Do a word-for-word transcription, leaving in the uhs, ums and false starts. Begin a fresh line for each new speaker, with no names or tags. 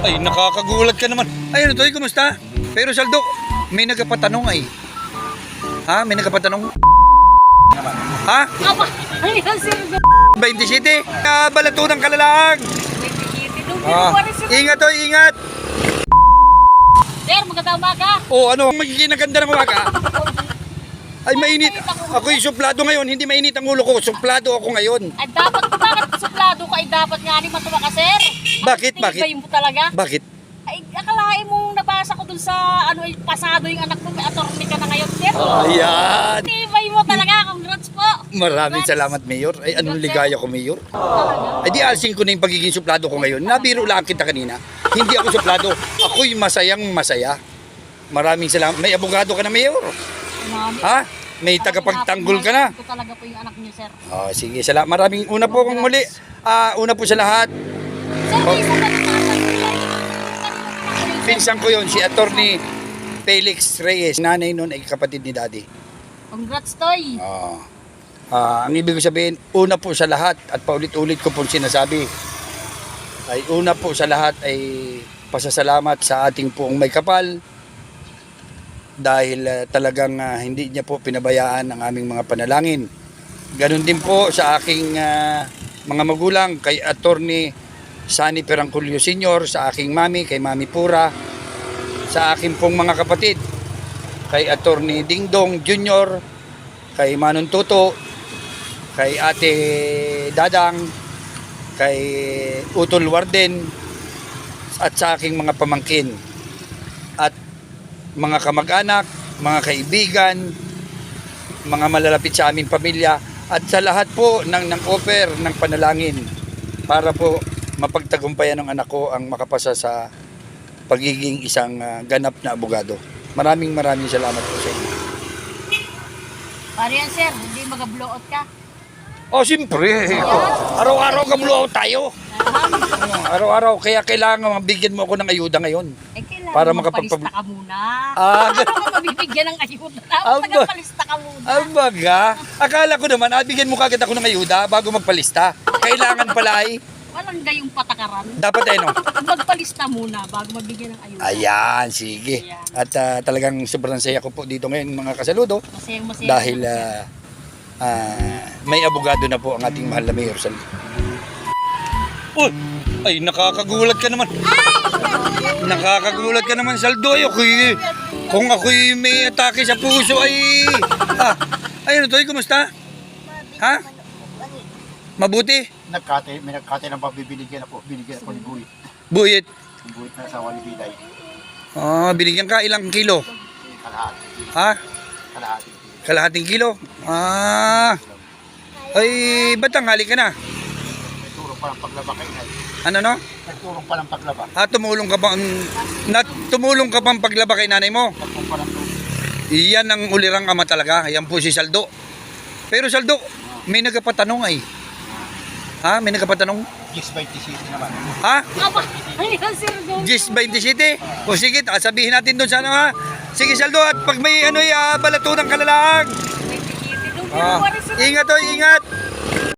Ay, nakakagulat ka naman. Ay, ano to? Kumusta? Pero Saldo, may nagpapatanong ay. Ha? May nagpapatanong? Ha?
Aba, ay, sir.
twenty-seven? Ah, balato ng kalalaag. Ah, ingat to, ingat.
Sir, magandang umaga.
Oh, ano? Magiging ganda ng umaga. Ay, mainit. Ako'y suplado ngayon. Hindi mainit ang ulo ko. Suplado ako ngayon.
Ay, dapat, bakit suplado ka? Ay, dapat nga ni matuwa ka, sir.
Bakit?
Ay,
Bakit?
tibay mo talaga?
Bakit?
Ay, akalain mong nabasa ko dun sa, ano, ay, pasado yung anak mo. May attorney ka na ngayon, sir.
Ayan.
Tibay mo talaga. Congrats po.
Maraming
Congrats.
salamat, Mayor. Ay, anong ligaya ko, Mayor?
Talaga.
Ay, di alsing ko na yung pagiging suplado ko ngayon. Nabiro lang kita kanina. Hindi ako suplado. Ako'y masayang masaya. Maraming salamat. May abogado ka na, Mayor.
Mami.
Ha? May tagapagtanggol ka na.
Ito talaga po yung anak niyo, sir.
Oh, sige, salamat. Maraming una po kung muli. Ah, una po sa lahat.
Sir, may isa na naman.
Pinsan ko yon si Attorney Felix Reyes. Nanay nun ay kapatid ni Daddy.
Congrats, Toy.
Oh. Ah, ang ibig ko sabihin, una po sa lahat at paulit-ulit ko po sinasabi ay una po sa lahat ay pasasalamat sa ating poong may kapal dahil uh, talagang uh, hindi niya po pinabayaan ang aming mga panalangin. Ganon din po sa aking uh, mga magulang, kay Attorney Sani Perangculio Senior, sa aking mami, kay Mami Pura, sa aking pong mga kapatid, kay Attorney Dingdong Junior, kay Manong Tuto, kay Ate Dadang, kay Utol Warden, at sa aking mga pamangkin at mga kamag-anak, mga kaibigan, mga malalapit sa aming pamilya, at sa lahat po ng, ng offer ng panalangin para po mapagtagumpayan ng anak ko ang makapasa sa pagiging isang uh, ganap na abogado. Maraming maraming salamat po sa inyo.
Pare yan, sir. Hindi mag-blowout ka.
Oh, siyempre. Araw-araw kablo tayo. Araw-araw. Kaya kailangan mabigyan mo ako ng ayuda ngayon.
Eh, kailangan
Para
para
makapagpab-
magpalista ka muna.
Ah,
Para ka mabibigyan ng ayuda.
Aba.
Dapat nagpalista ka muna.
Abaga, akala ko naman, ah, bigyan mo kagad ako ng ayuda bago magpalista. Kailangan pala ay,
Walang gayong patakaran.
dapat ay no.
Magpalista muna bago mabigyan ng ayuda.
Ayan, sige. At ah, talagang sobrang saya ko po dito ngayon mga kasaludo.
Masayang masaya.
Dahil ah, ah, may abogado na po ang ating mahal na Mayor Sal. Uy, ay nakakagulat ka naman. Nakakagulat ka naman, Saldo. Ay, ako'y, kung ako'y may atake sa puso ay... Ah, ay ano to? Kumusta? Ha? Mabuti?
Nagkate, may nagkate ng pabibinigyan ako, binigyan ako ni Buhit.
Buhit.
Yung Buhit na asawa ni Biday.
Ah, binigyan ka ilang kilo?
Kalahati.
Ha?
Kalahati.
Kalahating kilo? Ah. Ay, ba't tanghali ka na?
Nagturong pa ng paglaba kay Inay.
Ano no?
Nagturong pa ng paglaba.
Ah, tumulong ka bang nat tumulong ka bang paglaba kay nanay mo?
Nagturong pa ng tubig.
Iyan ang ulirang ama talaga. Ayan po si Saldo. Pero Saldo, may nagpapatanong ay. Ha? May nagpapatanong?
Gis twenty-six naman.
Ha?
Aba, ay, sir. go.
Gis twenty-seven? O sige, ah, sabihin natin doon sana ha. Sige Saldo, at pag may ano uh, balato ng kalalaag.
twenty-seven.
Ah, ingat to, ingat.